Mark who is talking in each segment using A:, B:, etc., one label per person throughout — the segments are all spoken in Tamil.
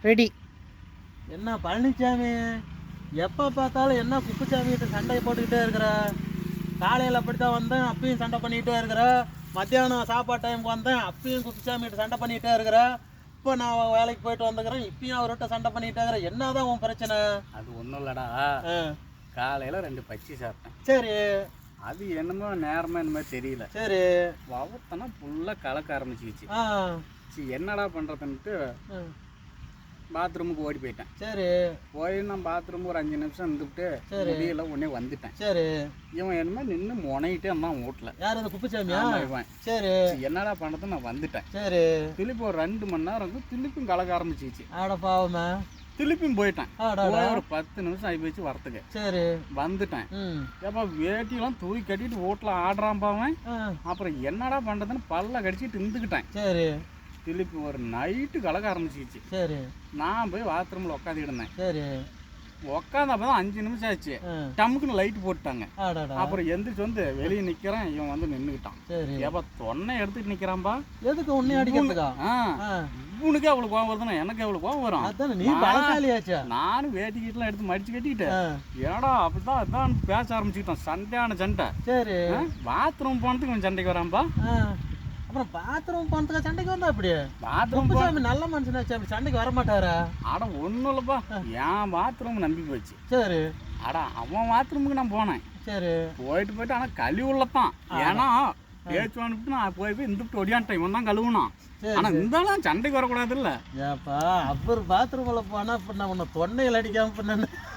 A: ரெடி.
B: என்ன பழனிசாமி, எப்போ பார்த்தாலும் என்ன குப்புசாமிகிட்ட சண்டை போட்டுக்கிட்டே இருக்கிற? காலையில் அப்படித்தான் வந்தேன், அப்பயும் சண்டை பண்ணிக்கிட்டே இருக்கிற. மத்தியானம் சாப்பாடு டைமுக்கு வந்தேன், அப்பயும் குப்புசாமிகிட்ட சண்டை பண்ணிக்கிட்டே இருக்கிற. இப்போ நான் வேலைக்கு போயிட்டு வந்துக்கிறேன், இப்பயும் அவர்கிட்ட சண்டை பண்ணிக்கிட்டே இருக்கிற. என்னதான் உன் பிரச்சனை?
C: அது ஒன்றும் இல்லைடா, காலையில் 2 பச்சி சாப்பிட்டேன்.
B: சரி,
C: அது என்னமோ நேரமாக இந்த மாதிரி தெரியல.
B: சரி,
C: வவத்தனா ஃபுல்லாக கலக்க ஆரம்பிச்சிக்கிச்சு. சரி என்னடா பண்ணுறதுன்ட்டு பாத்ரூமுக்கு ஓடி போயிட்டேன்.
B: சரி,
C: போய் நான் பாத்ரூம் ஒரு 5 நிமிஷம் இருந்துவிட்டு முடியல உடனே வந்துட்டேன்.
B: சரி,
C: இவன் என்னமோ நின்று முனையிட்டே இருந்தான் வீட்டில்.
B: யார் அந்த குப்புசாமியா?
C: இவன்.
B: சரி,
C: என்னடா பண்ணுறது, நான் வந்துட்டேன்.
B: சரி,
C: திருப்பி ஒரு 2 மணி நேரம் வந்து திருப்பியும் கலக்க ஆரம்பிச்சிச்சு.
B: ஆட பாவமே.
C: திருப்பியும் போயிட்டேன்.
B: போய்
C: ஒரு 10 நிமிஷம் ஆகி போச்சு வரத்துக்கு.
B: சரி,
C: வந்துட்டேன். ஏப்பா வேட்டியெல்லாம் தூக்கி கட்டிட்டு வீட்டில் ஆடுறான் பாவன். அப்புறம் என்னடா பண்ணுறதுன்னு பல்ல கடிச்சிட்டு இருந்துக்கிட்டேன்.
B: சரி,
C: திருப்பி ஒரு நைட்டு கலக்க ஆரம்பிச்சிச்சு.
B: சரி,
C: நான் போய் பாத்ரூமில் உட்காந்துக்கிட்டு இருந்தேன்.
B: சரி,
C: உட்காந்து தான் 5 நிமிஷம் ஆச்சு. டம்முக்குன்னு லைட் போட்டாங்க. அப்புறம் எந்திரிச்சு வந்து வெளியே நிக்கிறேன், இவன் வந்து நின்றுக்கிட்டான். ஏப்பா தொன்னை எடுத்துட்டு நிக்கிறான்பா.
B: எதுக்கு உன்னை அடிக்கிறதுக்கா?
C: இவனுக்கு அவ்வளவு கோவம் வருதுன்னா எனக்கு எவ்வளவு கோவம் வரும்.
B: நீ பலசாலியாச்சா?
C: நானும் வேட்டி கீட்டெல்லாம் எடுத்து மடிச்சு கட்டிக்கிட்டேன். ஏடா அப்படிதான் அதான் பேச ஆரம்பிச்சுக்கிட்டான். சண்டையான சண்டை.
B: சரி,
C: பாத்ரூம் போனதுக்கு இவன் சண்டைக்கு வரான்பா.
B: அப்புறம் பாத்ரூம் போனதுக்கு சண்டைக்கு வந்தா அப்படியே?
C: பாத்ரூம்
B: நல்ல மனுஷனாச்சு, அப்படி சண்டைக்கு வர மாட்டாரா?
C: அட ஒன்றும் இல்லைப்பா, என் பாத்ரூம் நம்பி போச்சு.
B: சரி,
C: அடா அவன் பாத்ரூமுக்கு நான் போனேன்.
B: சரி,
C: போயிட்டு ஆனால் கழுவி உள்ளதான். ஏன்னா பேச்சு அனுப்பிட்டு நான் போய் இந்துட்டு ஒடியான்ட்டேன். இவன் தான் கழுவுனான். ஆனால் இருந்தாலும் சண்டைக்கு வரக்கூடாது இல்லை.
B: ஏப்பா அவர் பாத்ரூமில் போனால் இப்போ நான் உன்னை தொண்டையில் அடிக்காம பண்ண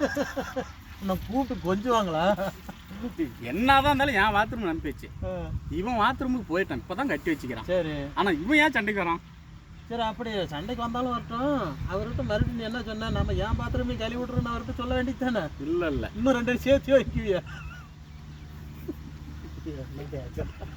B: உன்னை கூப்பிட்டு கொஞ்சுவாங்களா?
C: என்னதான் இருந்தாலும் என் பாத்ரூம் அனுப்பிச்சு. இவன் பாத்ரூமுக்கு போயிட்டான், இப்பதான் கட்டி வச்சுக்கிறான்.
B: சரி,
C: ஆனா இவன் ஏன் சண்டைக்கு வரான்?
B: சரி, அப்படி சண்டைக்கு வந்தாலும் வரட்டும். அவர்கிட்ட மறுபடியும் நீ என்ன சொன்ன? நம்ம ஏன் பாத்ரூமே கழுவி விட்டுருன்னு அவர்கிட்ட சொல்ல வேண்டியது தானே?
C: இல்ல இல்ல,
B: இன்னும் 2 சேர்த்து வைக்குவியா?